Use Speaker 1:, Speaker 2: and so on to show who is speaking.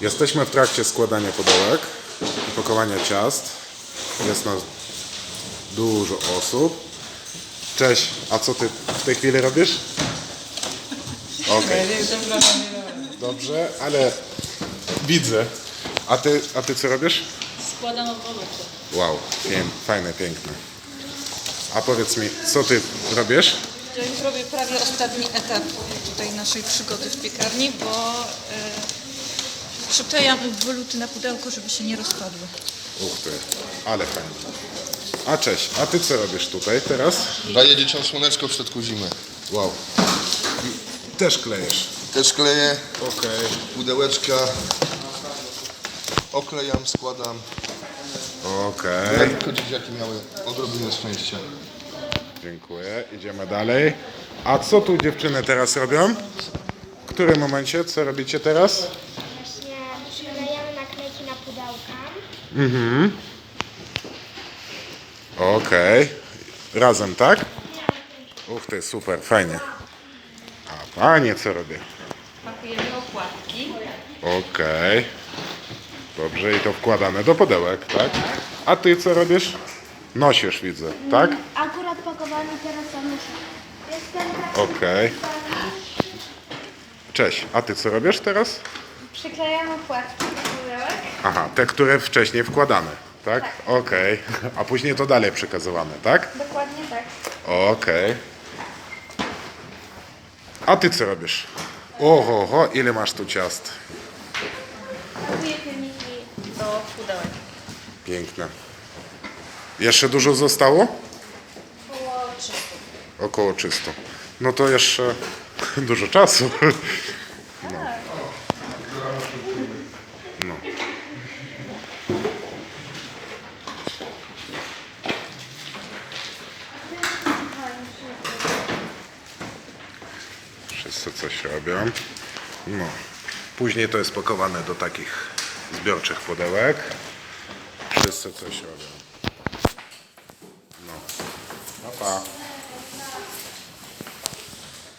Speaker 1: Jesteśmy w trakcie składania pudełek i pakowania ciast. Jest nas dużo osób. Cześć, a co ty w tej chwili robisz? Okej. Dobrze, ale widzę. A ty co robisz?
Speaker 2: Składam odwodowce.
Speaker 1: Wow, fajne, piękne. A powiedz mi, co ty robisz?
Speaker 2: Ja już robię prawie ostatni etap tutaj naszej przygody w piekarni, bo przyklejam woluty na pudełko, żeby się nie rozpadły.
Speaker 1: Ty, ale fajnie. A cześć, a ty co robisz tutaj teraz?
Speaker 3: Daję dzieciom słoneczko w środku zimy.
Speaker 1: Wow. Też klejesz.
Speaker 3: Też kleję
Speaker 1: Okej.
Speaker 3: pudełeczka, oklejam, składam.
Speaker 1: Okej.
Speaker 3: Jak tylko dzieciaki miały odrobinę szczęścia.
Speaker 1: Dziękuję. Idziemy dalej. A co tu dziewczyny teraz robią? W którym momencie? Co robicie teraz?
Speaker 4: Właśnie przyklejamy naklejki na pudełka.
Speaker 1: Okej. Razem, tak? Ty, super, fajnie. A panie co robię?
Speaker 2: Pakujemy okładki.
Speaker 1: Okej. Dobrze, i to wkładane do pudełek, tak? A ty co robisz? Nosisz, widzę, tak?
Speaker 4: Akurat pakowany teraz muszę. Jestem
Speaker 1: Okej. Cześć, a ty co robisz teraz?
Speaker 4: Przyklejam okładki do pudełek.
Speaker 1: Aha, te, które wcześniej wkładane, tak? Okej. A później to dalej przekazywane, tak?
Speaker 4: Dokładnie tak.
Speaker 1: Okej. A ty co robisz? Oho, ile masz tu ciast?
Speaker 4: Kupuję filmiki.
Speaker 2: Do pudełek.
Speaker 1: Piękne. Jeszcze dużo zostało?
Speaker 4: Około 300.
Speaker 1: Około 300. No to jeszcze dużo czasu. No. Wszyscy coś robią. No. Później to jest pakowane do takich zbiorczych pudełek. Wszyscy coś robią. No. Pa, pa.